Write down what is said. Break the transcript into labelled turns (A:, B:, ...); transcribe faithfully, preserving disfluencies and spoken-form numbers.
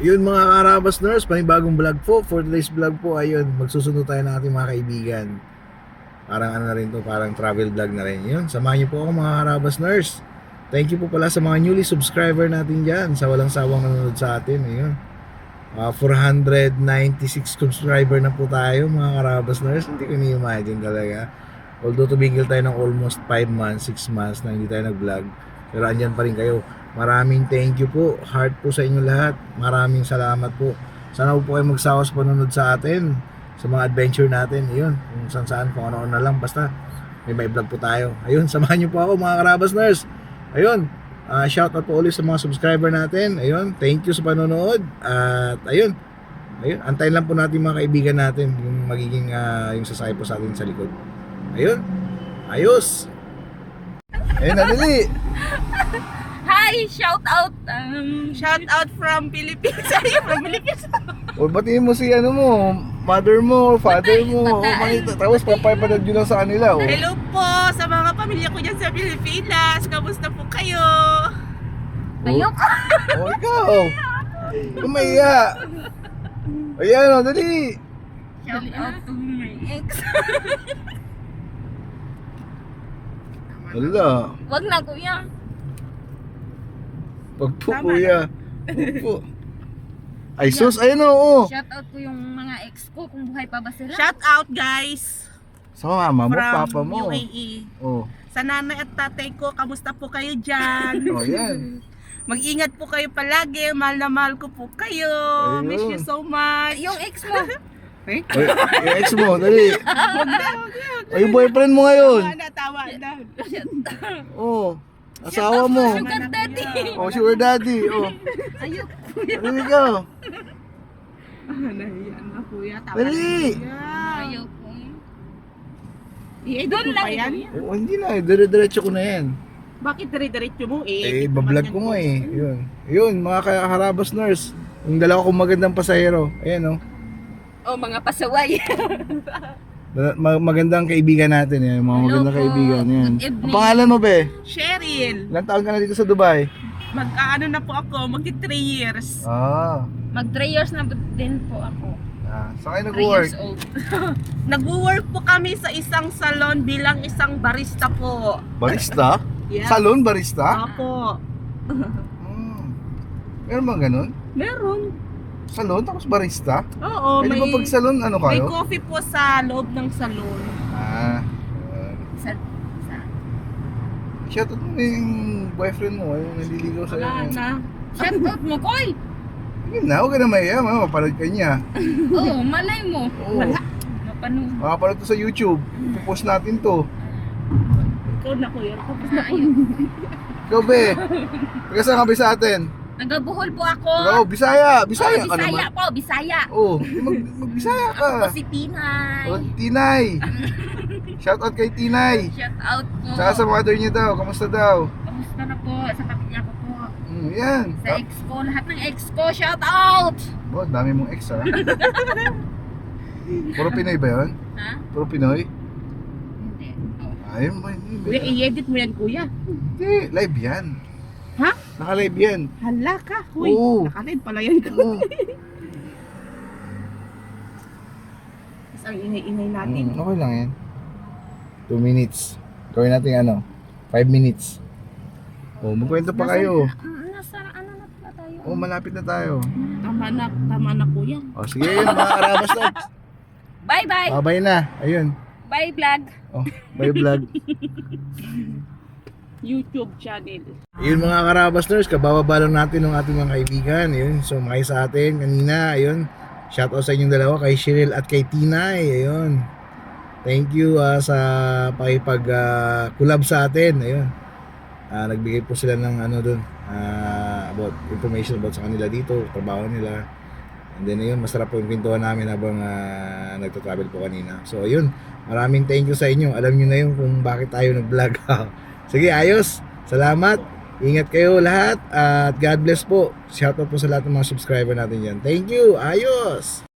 A: Yun mga Karabas Nurse, panibagong vlog po. For today's vlog po, ayun, magsusunod tayo ng ating mga kaibigan. Parang ano na rin to, parang travel vlog na rin. Yun, samahan niyo po ako mga Karabas Nurse. Thank you po pala sa mga newly subscriber natin dyan, sa walang sawang nanonood sa atin. Ayun, uh, four hundred ninety-six subscriber na po tayo mga Karabas Nurse. Hindi ko ni-imagine talaga. Although tumigil tayo ng almost five months, six months na hindi tayo nag-vlog, pero andyan pa rin kayo. Maraming thank you po, heart po sa inyo lahat. Maraming salamat po. Sana po kayo magsawa sa panunod sa atin, sa mga adventure natin. Ayun, kung saan saan, kung ano-ano na lang, basta may may vlog po tayo. Ayun, samahan niyo po ako mga Karabas Nurse. Ayun, uh, shout out po ulit sa mga subscriber natin. Ayun, thank you sa panonood. At ayun, ayun, antayin lang po natin mga kaibigan natin yung magiging uh, yung sasakay po sa atin sa likod. Ayun, ayos. Ayun, nadali.
B: Hi! Shout out! Um,
C: Shout out from Philippines. Ay, from Philippines.
A: O batiin mo si ano mo, mother mo, father mo.
B: Patay.
A: Makita, tapos papayapanood nyo lang sa kanila. Oh.
C: Hello po sa mga pamilya ko dyan sa Pilipinas. Kamusta po kayo?
B: ayok!
A: Oh, ikaw. Kumaya. Ayan o, dali.
B: Shout out to my ex.
A: Wala.
B: Wag na kuya.
A: Pagpo,
C: Tama
A: kuya. Pagpo. Ay, sus, ayun o. Oh.
B: Shout out ko yung mga ex ko kung buhay pa ba sila.
C: Shout out guys
A: Sa mama mo,
C: from
A: papa mo.
C: U A E.
A: Oh,
C: Sa nanay at tatay ko, kamusta po kayo dyan?
A: oh yan.
C: Mag-ingat po kayo palagi. Mahal na mahal ko po kayo.
A: Ayun.
C: Miss you so much.
B: Yung ex mo.
A: Ay, yung ex mo, dali. Ay, yung boyfriend mo ngayon.
C: Tawa na, tawa na.
A: Oh, asawa mo.
B: Sugar daddy.
A: Oh, sugar daddy. Oh,
B: Ayok.
A: dali ka.
C: Nahiyan na kuya. Tawa
A: Dali.
C: na kuya.
B: Ayok ko.
C: I-edit
B: Doon
C: mo
B: lang
C: pa yan?
A: Oh, hindi na, eh, dire-diretso ko na yan.
C: Bakit dire-diretso mo?
A: Eh,
C: I-edit mo
A: bablog
C: man
A: ko
C: yan
A: nga eh. Yun. Yun, mga Karabas Nurse. Yung dalawa kong magandang pasahero. Ayan oh.
B: Oh, mga pasaway.
A: Dala- ma- magandang kaibigan natin yan. Mga
B: Hello
A: magandang
B: po.
A: kaibigan yan.
B: Good evening.
A: Ang pangalan mo, be?
C: Cheryl,
A: Ilang taon ka na dito sa Dubai?
C: mag-ano na po ako, magti three years.
A: Ah.
B: Mag three years na din po ako.
A: ah saan kayo
B: three
A: nag-work?
B: years old.
C: Nag-work po kami sa isang salon bilang isang barista po.
A: Barista?
C: Yes.
A: Salon barista?
C: Apo.
A: Hmm. Meron bang ganun?
C: Meron.
A: Salon tapos barista?
C: Oo,
A: Pwede
C: may,
A: ba pag salon ano
C: may
A: kayo?
C: coffee po sa loob ng salon.
A: Ah. yun.
B: Sa, sa,
A: Shoutout mo yung boyfriend mo, yung naliligaw sa'yo.
C: Wala na.
B: shout out mo, Koy!
A: Yun na, huwag ka na mahiya, mapapanood ka niya.
B: Oo, malay mo.
A: Oo.
B: Mapanood.
A: Makapanood to sa YouTube. Ipopost natin to.
C: Ikaw na kuya. Tapos na po.
B: Ayun.
A: Ikaw, be. Taga saan ka, be, sa atin?
B: Nagabuhol po ako.
A: Ikaw, Bisaya. Bisaya
B: oh,
A: ka
B: Bisaya
A: naman.
B: po, Bisaya.
A: Oo, mag, mag-Bisaya ka.
B: Ako po si Tinay.
A: O, Tinay. Shoutout kay Tinay.
B: Shout out po.
A: Tsaka sa mother niya daw, kamusta daw?
B: Kamusta na po sa pamilya ko po.
A: Mm, yan.
B: Sa ex ko, lahat ng ex ko, shout out!
A: Oh, dami mong ex, ha? Puro Pinoy ba yun?
B: Ha?
A: Puro Pinoy?
B: Hindi. Oh.
A: Ayun ba, hindi.
C: Kuya, i-edit mo yan kuya.
A: Hindi, live yan.
C: Ha?
A: Naka-live yan.
C: Hala ka. Huy,
A: Oo.
C: nakalive pala yan ko.
A: Oo.
C: Tapos ang ingay-ingay natin.
A: Mm, okay lang yan. two minutes. Gawin natin ano? five minutes. Oh, magkwento pa kayo.
B: Nasa, nasa ano na pala tayo?
A: Oh, malapit na tayo.
C: Tama na, tama na kuya.
A: Oh, sige yun, mga Karabas na.
B: Bye bye!
A: Babay na. Ayun.
B: Bye vlog!
A: Oh, bye vlog.
C: YouTube channel.
A: Ayun mga Karabas Nurse, kabababa lang natin ng ating mga kaibigan. Ayun, sumakay sa atin kanina. Ayun, shoutout sa inyong dalawa, kay Cheryl at kay Tinay. Ayun, thank you uh, sa pakipag uh, collab sa atin. Ayun, uh, nagbigay po sila ng ano dun, uh, about information about sa kanila dito, trabaho nila. And then ayun, masarap po yung pintuan namin habang uh, nagta-travel po kanina. So ayun, maraming thank you sa inyo. Alam nyo na yun kung bakit tayo nag-vlog. Sige, ayos. Salamat. Ingat kayo lahat. At God bless po. Shoutout po sa lahat ng mga subscriber natin dyan. Thank you. Ayos.